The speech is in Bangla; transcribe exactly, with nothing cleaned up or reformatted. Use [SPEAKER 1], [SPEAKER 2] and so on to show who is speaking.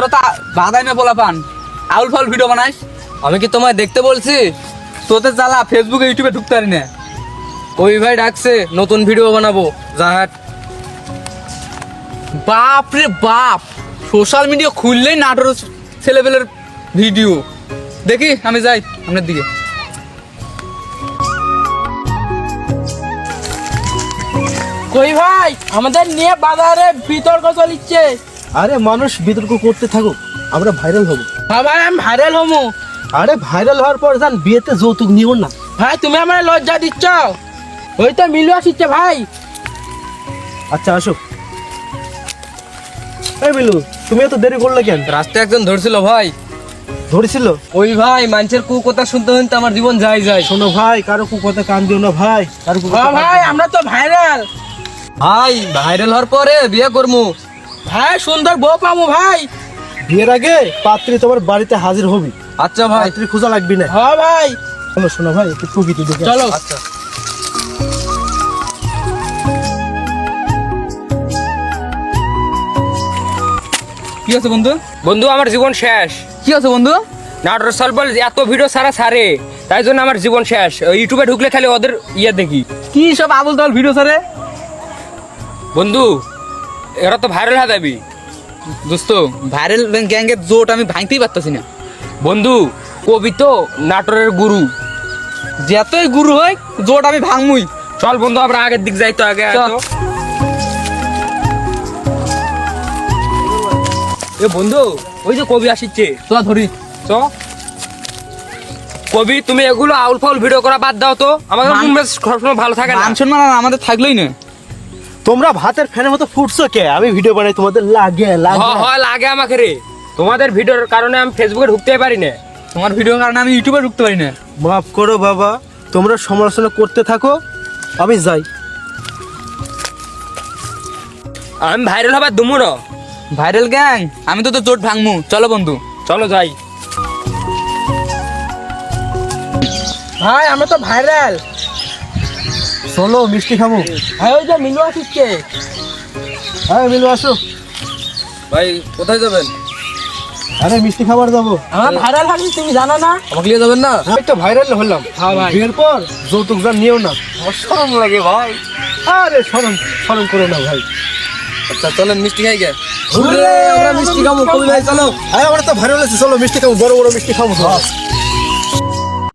[SPEAKER 1] তোরা তো বাদাই মে বলা পান আউল ফাউল ভিডিও বানাইস।
[SPEAKER 2] আমি কি তোমায় দেখতে বলছি?
[SPEAKER 1] তোদের জ্বালা ফেসবুকে ইউটিউবে ঢুকতে পারি না।
[SPEAKER 2] ওই ভাই ডাকছে নতুন ভিডিও বানাবো, জাহাট।
[SPEAKER 1] বাপ রে বাপ, সোশ্যাল মিডিয়া খুললেই নাটোর ছেলেপেলের ভিডিও দেখি। আমি যাই আপনার দিকে।
[SPEAKER 3] কই ভাই, আমাদের নিয়ে বাজারে বিতর্ক চলিচ্ছে।
[SPEAKER 4] আরে মানুষ বিতর্ক করতে থাকুক, আমরা ভাইরাল হব।
[SPEAKER 3] হ্যাঁ ভাই, আমি ভাইরাল হমু।
[SPEAKER 4] আরে ভাইরাল হওয়ার পর যান বিয়েতে যৌতুক নিও না।
[SPEAKER 3] ভাই তুমি আমার লজ্জা দিচ্ছ। ওই তো মিলু আসছে ভাই।
[SPEAKER 4] আচ্ছা আসো। এই মিলু, তুমি এত দেরি করলে কেন?
[SPEAKER 2] রাস্তায় একজন ধরছিল ভাই।
[SPEAKER 4] ধরেছিল?
[SPEAKER 2] ওই ভাই মানুষের কু কথা শুনতে শুনতে আমার জীবন যায় যায়।
[SPEAKER 4] শোনো ভাই, কারো কু কথা কান দিও না ভাই, কারো কু
[SPEAKER 3] হ্যাঁ ভাই, আমরা তো ভাইরাল।
[SPEAKER 2] ভাই ভাইরাল হওয়ার পরে বিয়ে করবো।
[SPEAKER 3] ভাই সুন্দর বউ পামু ভাই।
[SPEAKER 4] বিয়ের আগে পাত্রী তোমার বাড়িতে হাজির হবি।
[SPEAKER 2] আচ্ছা ভাই।
[SPEAKER 4] পাত্রী খোঁজা লাগবি না।
[SPEAKER 3] হ্যাঁ ভাই,
[SPEAKER 4] চলো শোনো ভাই, একটু প্রকৃতি দেখে।
[SPEAKER 3] চলো।
[SPEAKER 2] আচ্ছা
[SPEAKER 1] কি আছে বন্ধু?
[SPEAKER 5] বন্ধু আমার জীবন শেষ।
[SPEAKER 1] কি আছে বন্ধু?
[SPEAKER 5] নাটোর সলবল এত ভিডিও সারা সারে, তাই জন্য আমার জীবন শেষ। ওই ইউটিউবে ঢুকলে খালি ওদের ইয়ে দেখি।
[SPEAKER 1] কি সব আবল তাবল ভিডিও ছাড়ে?
[SPEAKER 5] বন্ধু এরা তো ভাইরাল হয়ে যাবি।
[SPEAKER 1] দোস্ত, ভাইরাল গ্যাংয়ের জোট আমি ভাঙতেই পারতাছি না।
[SPEAKER 5] বন্ধু কবি তো নাটোরের গুরু।
[SPEAKER 1] যতই গুরু হয় জোট আমি ভাঙমুই।
[SPEAKER 5] চল বন্ধু আমরা আগের দিক যাই তো, আগে আয়
[SPEAKER 1] চল।
[SPEAKER 5] তো। এ বন্ধু, ওই যে কবি আসিচ্ছে,
[SPEAKER 1] তো ধরি
[SPEAKER 5] চ। কবি তুমি এগুলো আউল ফাউল ভিডিও করা বাদ দাও তো, আমাদের
[SPEAKER 1] মান-
[SPEAKER 5] রুমে সবসময় ভালো থাকে না।
[SPEAKER 1] মান সম্মান আর আমাদের থাকলোই না।
[SPEAKER 4] তোমরা ভাতের ফ্যানের মতো ফুটছো কে? আমি ভিডিও বানাই, তোমাদের লাগে লাগে।
[SPEAKER 5] হ- হয় লাগে আমাকে রে। তোমাদের ভিডিওর কারণে আমি ফেসবুকে ঢুকতে পারি না।
[SPEAKER 1] তোমার ভিডিওর কারণে আমি ইউটিউবে ঢুকতে পারি না।
[SPEAKER 4] মাফ করো বাবা, তোমরা সমালোচনা করতে থাকো, আমি যাই।
[SPEAKER 5] আমি ভাইরাল হবার দুমু না।
[SPEAKER 1] ভাইরাল গ্যাং, আমি তো তো জোট ভাঙমু। চলো বন্ধু।
[SPEAKER 5] চলো যাই।
[SPEAKER 3] ভাই আমরা তো ভাইরাল।
[SPEAKER 4] চলো মিষ্টি খাবো।
[SPEAKER 3] ভাই ওই যে মিলু আসছে।
[SPEAKER 4] হ্যাঁ মিলু আসো।
[SPEAKER 2] ভাই কোথায় যাবেন?
[SPEAKER 4] আরে মিষ্টি খাবার যাবো।
[SPEAKER 3] আমরা ভাইরাল হচ্ছি, তুমি জানো না?
[SPEAKER 2] আমাকে নিয়ে যাবেন না?
[SPEAKER 4] আমি তো ভাইরাল হলাম।
[SPEAKER 3] হ্যাঁ ভাই।
[SPEAKER 4] বিয়ের পর যৌতুক যা নিও না।
[SPEAKER 2] আমার শরম লাগে ভাই।
[SPEAKER 4] আরে শরম শরম করো না ভাই।
[SPEAKER 2] আচ্ছা চলেন মিষ্টি খাই গে। আমরা মিষ্টি খাবো কবি ভাই, চলো।
[SPEAKER 4] আরে আমরা তো ভাইরাল আছি, চলো মিষ্টি খাবো, বড় বড় মিষ্টি খাবো।